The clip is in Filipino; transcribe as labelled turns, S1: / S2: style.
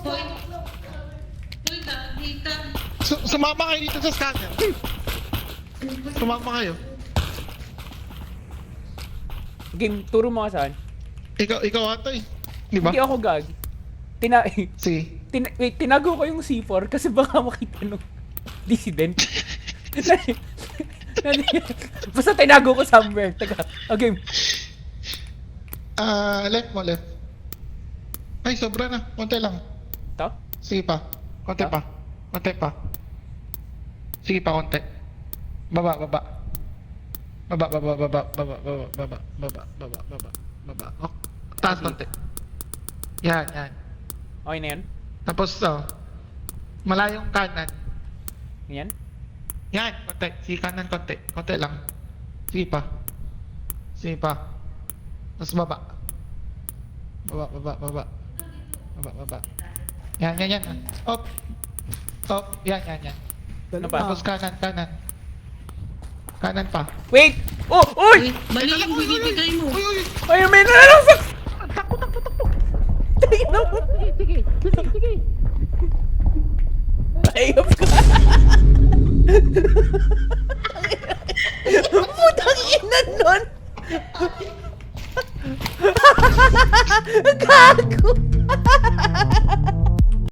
S1: Hoy. Hoy, gagi ka.
S2: Sumama kayo dito sa scanner. Sumama kayo.
S3: Game, turo mo ka saan.
S2: Ikaw ata eh. Di ba?
S3: Hindi ako gag.
S2: Sige.
S3: Wait, tinago ko yung C4 kasi baka makita nung dissident. Basta tinago ko somewhere. Teka, game.
S2: Left mo, left. Ay, sobra na. Konti lang.
S3: Ito?
S2: Sige pa. Konti
S3: Ah?
S2: pa. Konti pa. Sige pa, konti. Baba. Oh, taas konti. Yan.
S3: Okay na yan?
S2: Tapos, malayong kanan.
S3: Yan?
S2: Yan, konti. Sige kanan konti. Konti lang. Sige pa. Tapos baba. Baba. Yan. Up. Yan.
S3: Ano pa?
S2: Tapos kanan. Kanan pa.
S3: Wait! Oh! Uy!
S1: Uy, mali yung binibigay mo.
S2: Uy.
S3: Ay, may nalalasok!
S2: Takbo.
S3: Tingnan mo!
S2: Sige.
S3: Ayop ka! Putang ina nun! Gago!